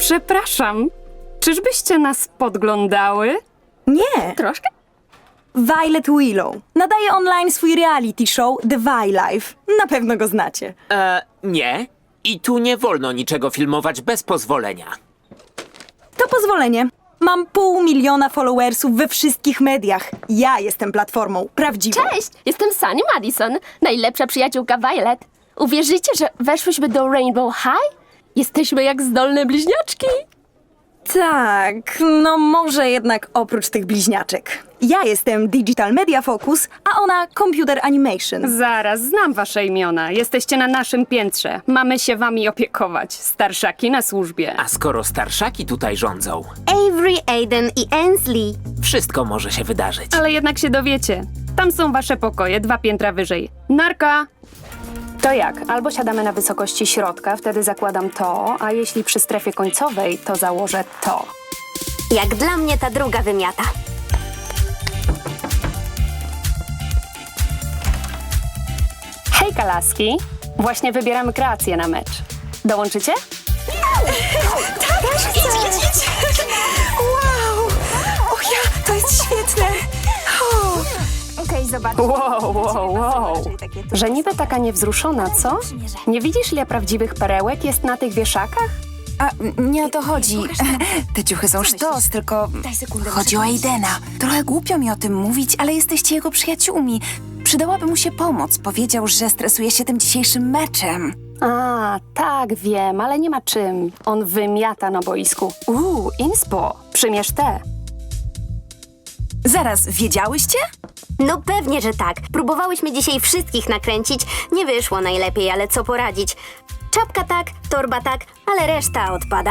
Przepraszam, czyżbyście nas podglądały? Nie. Troszkę? Violet Willow. Nadaje online swój reality show The Vi Life. Na pewno go znacie. Nie. I tu nie wolno niczego filmować bez pozwolenia. To pozwolenie. Mam 500 000 followersów we wszystkich mediach. Ja jestem platformą prawdziwą. Cześć, jestem Sunny Madison, najlepsza przyjaciółka Violet. Uwierzycie, że weszłyśmy do Rainbow High? Jesteśmy jak zdolne bliźniaczki. Tak, no może jednak oprócz tych bliźniaczek. Ja jestem Digital Media Focus, a ona Computer Animation. Zaraz, znam wasze imiona. Jesteście na naszym piętrze. Mamy się wami opiekować. Starszaki na służbie. A skoro starszaki tutaj rządzą, Avery, Aiden i Ainsley. wszystko może się wydarzyć. Ale jednak się dowiecie. Tam są wasze pokoje, 2 piętra wyżej. Narka! To jak? Albo siadamy na wysokości środka, wtedy zakładam to, a jeśli przy strefie końcowej, to założę to. Jak dla mnie ta druga wymiata. Hejka, laski! Właśnie wybieramy kreację na mecz. Dołączycie? Idź! Wow! Och ja, to jest świetne! Okej, zobacz. Wow. Że niby taka niewzruszona, co? Nie widzisz, ile prawdziwych perełek jest na tych wieszakach? A nie o to chodzi. Te ciuchy są sztos, tylko chodzi o Aidena. Trochę głupio mi o tym mówić, ale jesteście jego przyjaciółmi. Przydałaby mu się pomoc. Powiedział, że stresuje się tym dzisiejszym meczem. A, tak, wiem, ale nie ma czym. On wymiata na boisku. Inspo, przymierz te. Zaraz, wiedziałyście? No pewnie, że tak. Próbowałyśmy dzisiaj wszystkich nakręcić. Nie wyszło najlepiej, ale co poradzić. Czapka tak, torba tak, ale reszta odpada.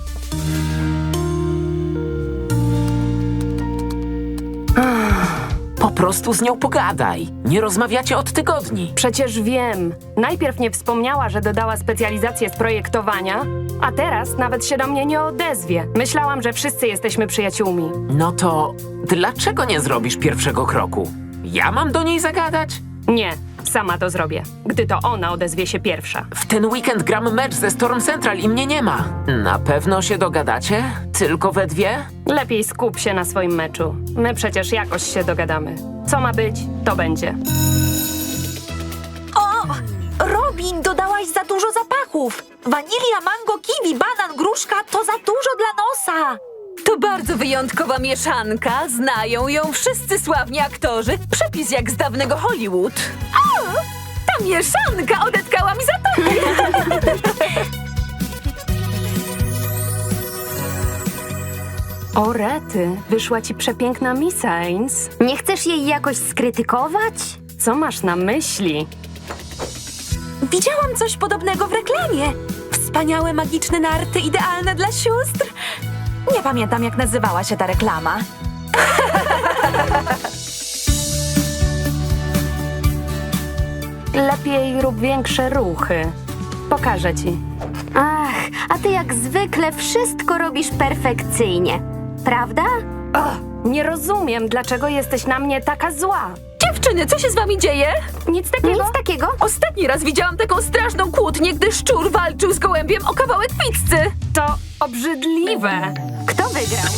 Po prostu z nią pogadaj. Nie rozmawiacie od tygodni. Przecież wiem. Najpierw nie wspomniała, że dodała specjalizację z projektowania, a teraz nawet się do mnie nie odezwie. Myślałam, że wszyscy jesteśmy przyjaciółmi. No to dlaczego nie zrobisz pierwszego kroku? Ja mam do niej zagadać? Nie, sama to zrobię, gdy to ona odezwie się pierwsza. W ten weekend gram mecz ze Storm Central i mnie nie ma. Na pewno się dogadacie? Tylko we dwie? Lepiej skup się na swoim meczu. My przecież jakoś się dogadamy. Co ma być, to będzie. Robin, dodałaś za dużo zapachów. Wanilia, mango, kiwi, banan, gruszka to za dużo dla nosa. To bardzo wyjątkowa mieszanka. Znają ją wszyscy sławni aktorzy. Przepis jak z dawnego Hollywood. Ta mieszanka odetkała mi zatokę. O rety, wyszła ci przepiękna Miss Ains. Nie chcesz jej jakoś skrytykować? Co masz na myśli? Widziałam coś podobnego w reklamie. Wspaniałe, magiczne narty, idealne dla sióstr. Nie pamiętam, jak nazywała się ta reklama. Lepiej rób większe ruchy. Pokażę ci. Ach, a ty jak zwykle wszystko robisz perfekcyjnie. Prawda? Nie rozumiem, dlaczego jesteś na mnie taka zła. Dziewczyny, co się z wami dzieje? Nic takiego. Nic takiego? Ostatni raz widziałam taką straszną kłótnię, gdy szczur walczył z gołębiem o kawałek pizzy. To obrzydliwe. Kto wygrał?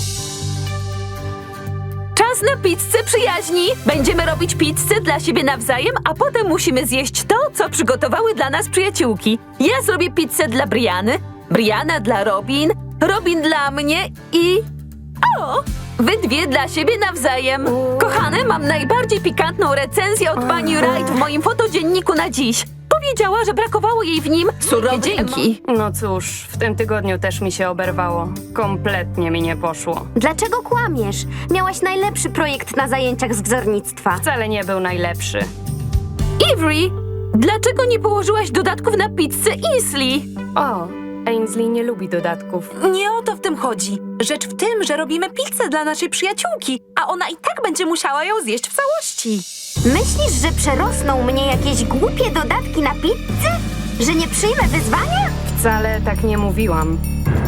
Czas na pizzę przyjaźni. Będziemy robić pizzę dla siebie nawzajem, a potem musimy zjeść to, co przygotowały dla nas przyjaciółki. Ja zrobię pizzę dla Briany, Briana dla Robin, Robin dla mnie i... O! Wy dwie dla siebie nawzajem. Kochane, mam najbardziej pikantną recenzję od pani Wright w moim fotodzienniku na dziś. Powiedziała, że brakowało jej w nim surowych dzięki. No cóż, w tym tygodniu też mi się oberwało. Kompletnie mi nie poszło. Dlaczego kłamiesz? Miałaś najlepszy projekt na zajęciach z wzornictwa. Wcale nie był najlepszy. Avery, dlaczego nie położyłaś dodatków na pizzę Ainsley? O, Ainsley nie lubi dodatków. Nie o to w tym chodzi. Rzecz w tym, że robimy pizzę dla naszej przyjaciółki, a ona i tak będzie musiała ją zjeść w całości. Myślisz, że przerosną mnie jakieś głupie dodatki na pizzę? Że nie przyjmę wyzwania? Wcale tak nie mówiłam.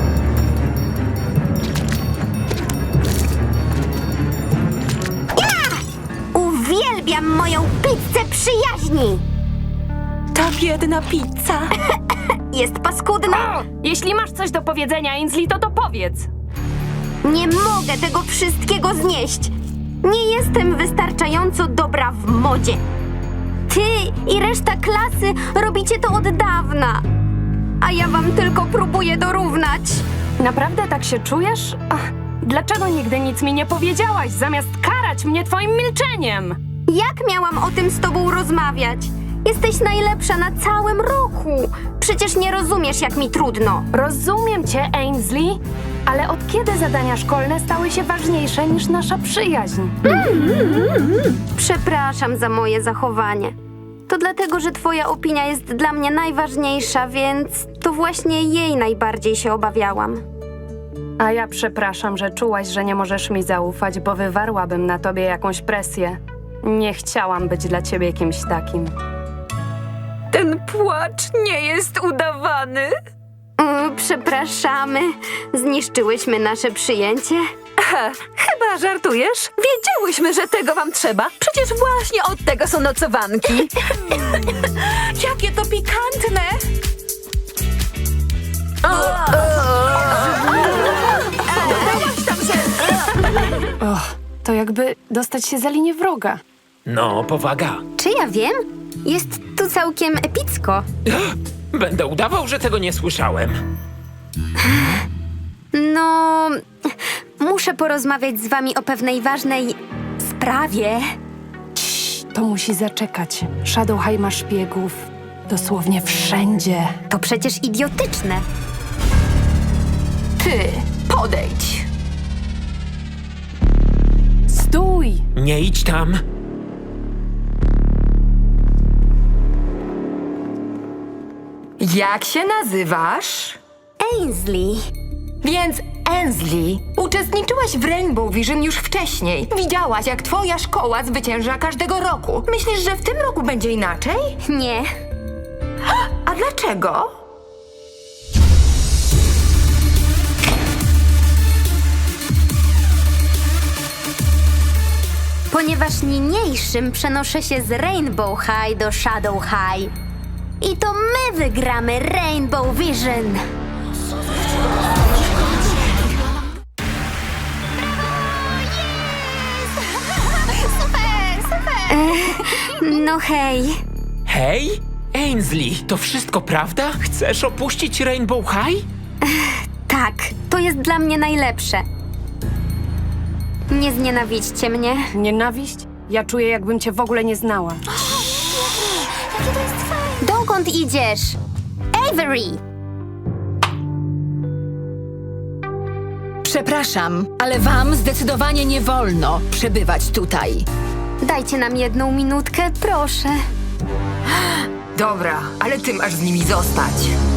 Uwielbiam moją pizzę przyjaźni! Ta biedna pizza. jest paskudna. Jeśli masz coś do powiedzenia, Ainsley, to powiedz. Nie mogę tego wszystkiego znieść. Nie jestem wystarczająco dobra w modzie. Ty i reszta klasy robicie to od dawna. A ja wam tylko próbuję dorównać. Naprawdę tak się czujesz? Ach, dlaczego nigdy nic mi nie powiedziałaś, zamiast karać mnie twoim milczeniem? Jak miałam o tym z tobą rozmawiać? Jesteś najlepsza na całym roku. Przecież nie rozumiesz, jak mi trudno. Rozumiem cię, Ainsley, ale od kiedy zadania szkolne stały się ważniejsze niż nasza przyjaźń? Przepraszam za moje zachowanie. To dlatego, że twoja opinia jest dla mnie najważniejsza, więc to właśnie jej najbardziej się obawiałam. A ja przepraszam, że czułaś, że nie możesz mi zaufać, bo wywarłabym na tobie jakąś presję. Nie chciałam być dla ciebie kimś takim. Ten płacz nie jest udawany. Przepraszamy. Zniszczyłyśmy nasze przyjęcie. Chyba żartujesz? Wiedziałyśmy, że tego wam trzeba. Przecież właśnie od tego są nocowanki. Jakie to pikantne! To jakby dostać się za linię wroga. No, powaga. Czy ja wiem? Jest tu całkiem epicko. Będę udawał, że tego nie słyszałem. No, muszę porozmawiać z wami o pewnej ważnej sprawie. To musi zaczekać. Shadow High ma szpiegów dosłownie wszędzie. To przecież idiotyczne. Ty, podejdź. Stój! Nie idź tam. Jak się nazywasz? Ainsley. Więc Ainsley, uczestniczyłaś w Rainbow Vision już wcześniej. Widziałaś, jak twoja szkoła zwycięża każdego roku. Myślisz, że w tym roku będzie inaczej? Nie. A dlaczego? Ponieważ niniejszym przenoszę się z Rainbow High do Shadow High. I to my wygramy Rainbow Vision. No hej. Hej? Ainsley, to wszystko prawda? Chcesz opuścić Rainbow High? Tak, to jest dla mnie najlepsze. Nie znienawidźcie mnie. Nienawiść? Ja czuję, jakbym cię w ogóle nie znała. Dokąd idziesz? Avery! Przepraszam, ale wam zdecydowanie nie wolno przebywać tutaj. Dajcie nam 1 minutkę, proszę. Dobra, ale ty masz z nimi zostać.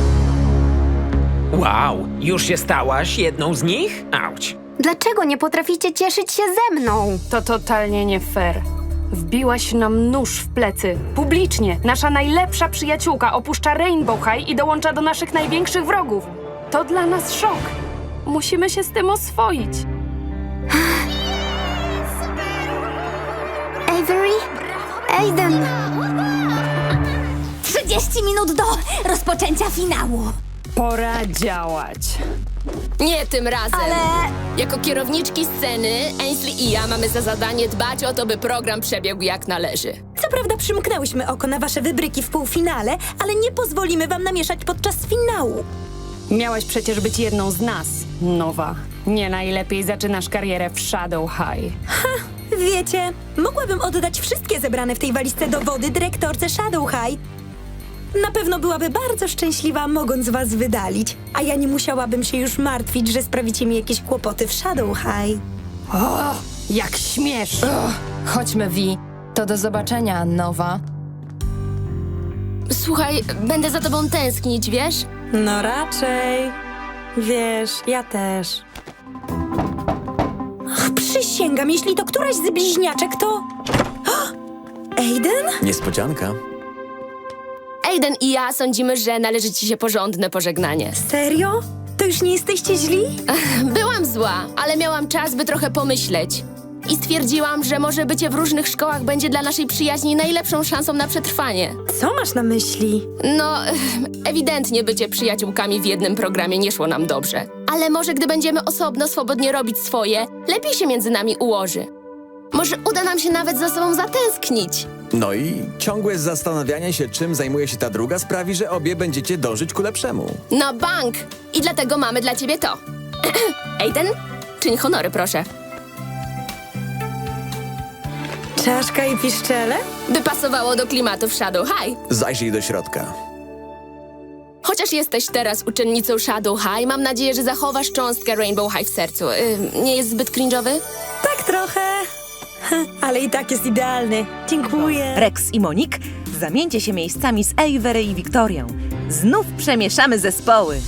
Wow, już się stałaś jedną z nich? Auć. Dlaczego nie potraficie cieszyć się ze mną? To totalnie nie fair. Wbiłaś nam nóż w plecy. Publicznie. Nasza najlepsza przyjaciółka opuszcza Rainbow High i dołącza do naszych największych wrogów. To dla nas szok. Musimy się z tym oswoić. Avery? Aiden! 30 minut do rozpoczęcia finału. Pora działać. Nie tym razem. Jako kierowniczki sceny, Ainsley i ja mamy za zadanie dbać o to, by program przebiegł jak należy. Co prawda przymknęłyśmy oko na wasze wybryki w półfinale, ale nie pozwolimy wam namieszać podczas finału. Miałaś przecież być jedną z nas, Nowa. Nie najlepiej zaczynasz karierę w Shadow High. Wiecie, mogłabym oddać wszystkie zebrane w tej walizce dowody dyrektorce Shadow High. Na pewno byłaby bardzo szczęśliwa, mogąc was wydalić, a ja nie musiałabym się już martwić, że sprawicie mi jakieś kłopoty w Shadow High. Jak śmiesz! Chodźmy, Vi. To do zobaczenia, Nowa. Słuchaj, będę za tobą tęsknić, wiesz? No raczej. Wiesz, ja też. Ach, przysięgam, jeśli to któraś z bliźniaczek, to... Aiden? Niespodzianka. Aiden i ja sądzimy, że należy ci się porządne pożegnanie. Serio? To już nie jesteście źli? Byłam zła, ale miałam czas, by trochę pomyśleć. i stwierdziłam, że może bycie w różnych szkołach będzie dla naszej przyjaźni najlepszą szansą na przetrwanie. Co masz na myśli? No, ewidentnie bycie przyjaciółkami w jednym programie nie szło nam dobrze. Ale może gdy będziemy osobno swobodnie robić swoje, lepiej się między nami ułoży. Może uda nam się nawet za sobą zatęsknić. No i ciągłe zastanawianie się, czym zajmuje się ta druga, sprawi, że obie będziecie dążyć ku lepszemu. Na bank! I dlatego mamy dla ciebie to. Aiden, czyń honory, proszę. Czaszka i piszczele? By pasowało do klimatu w Shadow High. Zajrzyj do środka. Chociaż jesteś teraz uczennicą Shadow High, mam nadzieję, że zachowasz cząstkę Rainbow High w sercu. Nie jest zbyt cringe'owy? Tak trochę. Ale i tak jest idealny. Dziękuję. Rex i Monik, zamieńcie się miejscami z Avery i Wiktorią. Znów przemieszamy zespoły.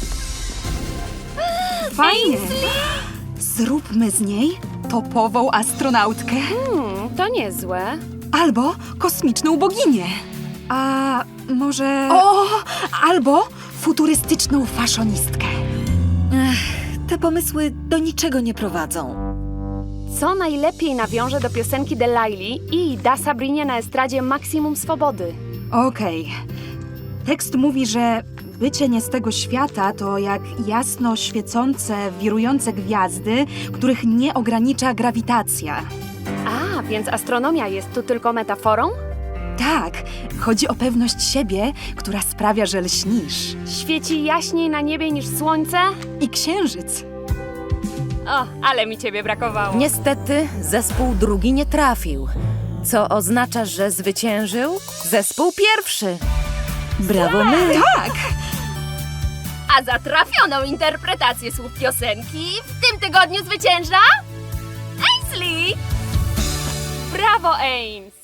Fajnie. Zróbmy z niej topową astronautkę To niezłe. albo kosmiczną boginię. A może... O! Albo futurystyczną faszonistkę. Te pomysły do niczego nie prowadzą. Co najlepiej nawiąże do piosenki Delilah i da Sabrinie na estradzie maksimum swobody. Okej. Tekst mówi, że bycie nie z tego świata to jak jasno świecące, wirujące gwiazdy, których nie ogranicza grawitacja. A, więc astronomia jest tu tylko metaforą? Tak, chodzi o pewność siebie, która sprawia, że lśnisz. Świeci jaśniej na niebie niż słońce? I księżyc. O, ale mi ciebie brakowało. Niestety zespół drugi nie trafił, co oznacza, że zwyciężył zespół pierwszy. Brawo my! Tak! A za trafioną interpretację słów piosenki w tym tygodniu zwycięża... Ainsley! Brawo, Ames!